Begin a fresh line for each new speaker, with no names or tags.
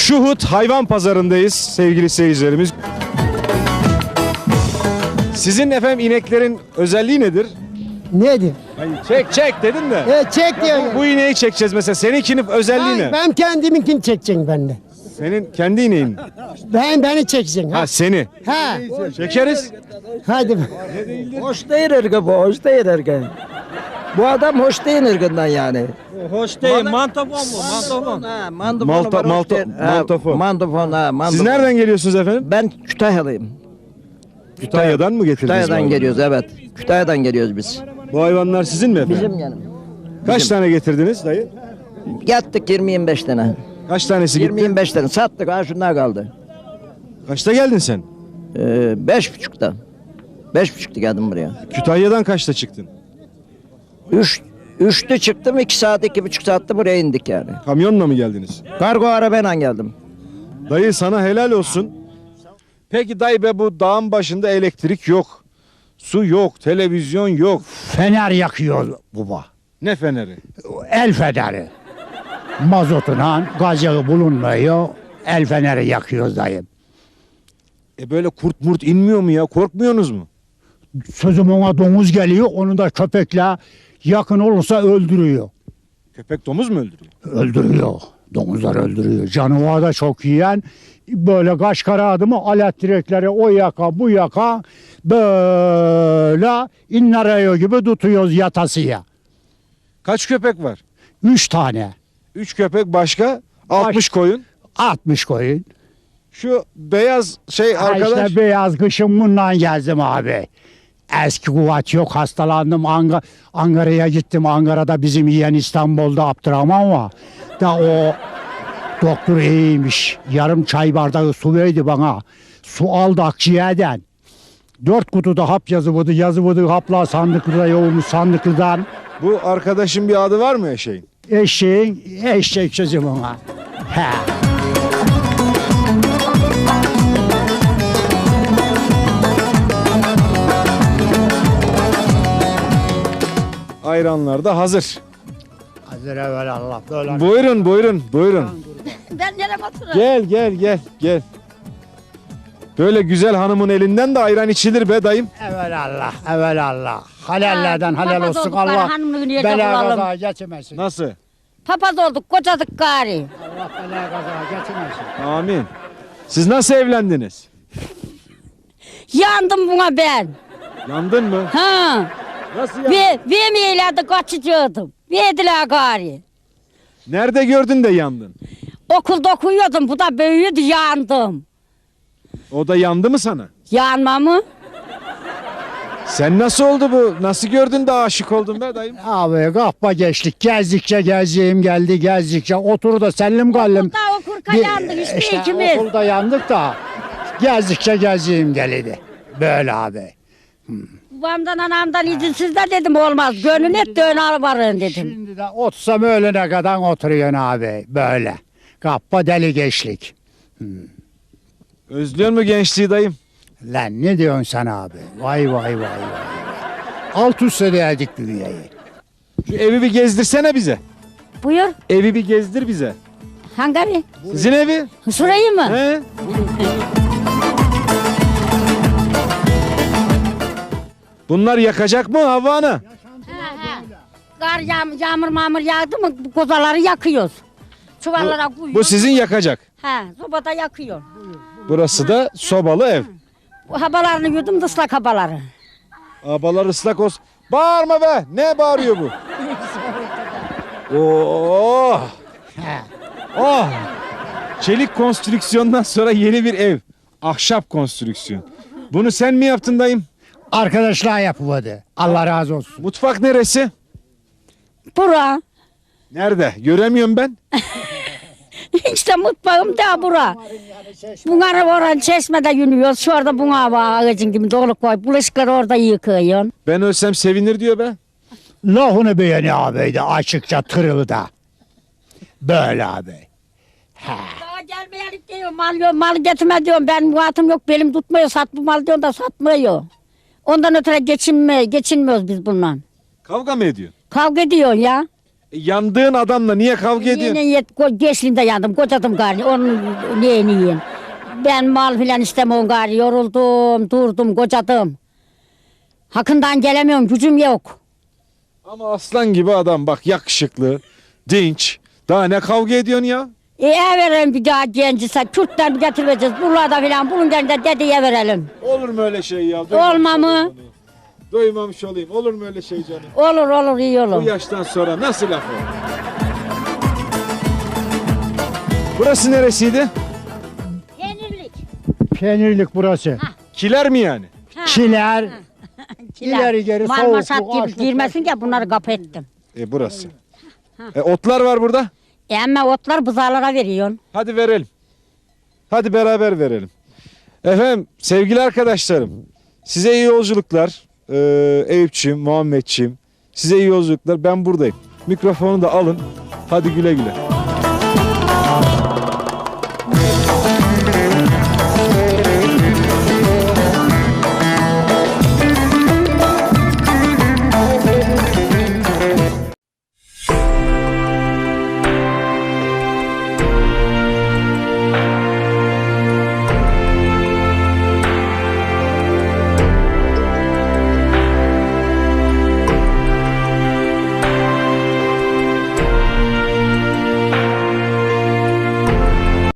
Şuhut Hayvan Pazarı'ndayız sevgili seyircilerimiz. Sizin efendim ineklerin özelliği nedir?
Nedir?
Çek dedin de.
Çek diyor.
Bu ineği çekeceğiz mesela. Seninkinin özelliği ne?
Ben kendiminkini çekeceğim ben de.
Senin kendi ineğin.
Beni çekeceksin.
Ha seni.
Ha.
Çekeriz.
Hadi.
Hoş değil ırgı bu, hoş değil ırgı. Bu adam hoş değil ırgından yani.
Hoş değil. Mantofon bu. Mantofon.
Ha, mantofonu var, hoş değil. Ha,
mantofon.
Mantofon, ha, mantofon.
Siz nereden geliyorsunuz efendim?
Ben Kütahyalıyım.
Kütahya'dan mı getirdiniz? bu
Kütahya'dan
hayvanı?
geliyoruz, evet. Kütahya'dan geliyoruz biz.
Bu hayvanlar sizin mi efendim?
Bizim yanım.
Kaç tane getirdiniz dayı?
Yattık 20-25 tane.
Kaç tanesi gitti?
20-25 tane sattık, ha şunlar kaldı.
Kaçta geldin sen?
5.30'da. 5.30'da geldim buraya.
Kütahya'dan kaçta çıktın?
3'te çıktım, 2 saat, 2,5 saatte buraya indik yani.
Kamyonla mı geldiniz?
Kargo arabayla geldim.
Dayı sana helal olsun. Peki dayı be bu dağın başında elektrik yok. Su yok, televizyon yok.
Fener yakıyor baba.
Ne feneri?
El feneri. Mazotuna gaz yağı bulunmuyor. El feneri yakıyoruz dayım.
Böyle kurt murt inmiyor mu ya? Korkmuyorsunuz mu?
Sözüm ona domuz geliyor. Onu da köpekle yakın olursa öldürüyor.
Köpek domuz mu öldürüyor?
Öldürüyor. Domuzlar öldürüyor. Canavar da çok yiyen böyle kaş kara adımı alet direkleri o yaka bu yaka böyle inlarayo gibi tutuyoruz yatasıya.
Kaç köpek var?
3 tane.
3 köpek başka 60 koyun.
60 koyun.
Şu beyaz şey arkadaş.
İşte beyaz kışın bundan gezdim abi. Eski kuvvet yok, hastalandım. Ankara'ya gittim. Ankara'da bizim yeğen İstanbul'da Abdurrahman var. Da o doktor iyiymiş. Yarım çay bardağı su verdi bana. Su aldı akciğerden. 4 kutuda hap yazıvırdı hapla sandıklıda yoğurmuş sandıklıdan.
Bu arkadaşın bir adı var mı eşeğin?
Eşek sözüm ona. He.
Ayranlar da hazır.
Hazır evvel Allah. Böyle.
Buyurun.
Ben nereye batırırım?
Gel. Böyle güzel hanımın elinden de ayran içilir be dayım.
Evvel Allah. Halallerden
Ha,
halal
papaz
olsun
olduk,
Allah.
hanımlığını yiyecek
Bela
olalım.
kaza geçmesin.
Nasıl?
Papaz olduk, kocadık gari.
Allah bela kaza geçmesin.
Amin. Siz nasıl evlendiniz?
Yandım buna ben.
Yandın mı?
Ha.
Nasıl yandın?
Vermeyeylerdi kaçıcıydım. Verdiler gari.
Nerede gördün de yandın?
Okulda okuyordum, bu da büyüdü, yandım.
O da yandı mı sana?
Yanma mı?
Sen nasıl oldu bu? Nasıl gördün de aşık oldun be dayım?
Abi kahpa geçtik. Gezdikçe gezdiğim geldi gezdikçe. Otur da sellim gallim.
Okulda okurken yandık işte ikimiz.
Okulda yandık da gezdikçe gezdiğim geldi. Böyle abi.
Babamdan anamdan izinsiz de dedim olmaz. Gönül et dön varın dedim.
Şimdi de otursam öğlene kadar oturuyorsun abi. Böyle. Kahpa deli geçlik.
Özlüyor mu gençliği dayım?
Lan ne diyorsun sen abi? Vay. Alt üstte geldik dünyayı.
Şu evi bir gezdirsene bize.
Buyur.
Evi bir gezdir bize.
Hangi evi?
Sizin evi?
Şurayı mı?
He? Bunlar yakacak mı Havva Ana?
Kar yağmur mamur yağdı mı bu kozaları yakıyoruz. Çuvallara koyuyoruz.
Bu sizin yakacak.
He, sobada yakıyor.
Burası da sobalı ev.
Bu habalarını yudum da ıslak habaları.
Abalar ıslak olsun. Bağırma be. Ne bağırıyor bu? Oh. Oh. Çelik konstrüksiyondan sonra yeni bir ev. Ahşap konstrüksiyon. Bunu sen mi yaptın dayım?
Arkadaşlar yapıvadı. Allah razı olsun.
Mutfak neresi?
Bura.
Nerede? Göremiyorum ben.
İşte mutfağım da bura. Bunları oran çeşmede yünüyoruz. Şu orada buna var ağacın gibi dolu koy. Bulaşıkları orada yıkıyorsun.
Ben ölsem sevinir diyor be.
Lafını beğeni abiydi açıkça tırılda. Böyle abi.
Daha gelmeyelim diyor. Mal getirme diyorum. Ben muhatım yok. Belim tutmuyor. Sat bu mal diyorum da satmıyor. Ondan ötürü geçinmiyoruz biz bundan.
Kavga mı ediyor?
Kavga ediyorsun ya.
Yandığın adamla niye kavga ediyorsun?
Yine geçliğinde yandım, kocadım gari. Onun neyini yiyin? Ben mal filan istemiyorum gari. Yoruldum, durdum, kocadım. Hakkından gelemiyorum, gücüm yok.
Ama aslan gibi adam bak, yakışıklı, dinç. Daha ne kavga ediyorsun ya?
Verelim bir daha gencise, Kürt'ten bir getireceğiz. Buralarda filan, bunun yerinde dedeye verelim.
Olur mu öyle şey ya?
Olma mı?
Duymamış olayım. Olur mu öyle şey canım?
Olur olur, iyi
Bu
olur.
yaştan sonra nasıl laf olur? Burası neresiydi?
Peynirlik.
Peynirlik burası.
Kiler mi yani?
Kiler. İleri geri soğuk.
Marmaşat
bu
gibi
açlık-
girmesin ki bunları kapı ettim.
Burası. Otlar var burada.
Ama otlar buzağlara veriyorsun.
Hadi verelim. Hadi beraber verelim. Efendim sevgili arkadaşlarım, size iyi yolculuklar. Eyüpçüğüm, Muhammedçiğim, size iyi yolculuklar. Ben buradayım. Mikrofonu da alın. Hadi güle güle.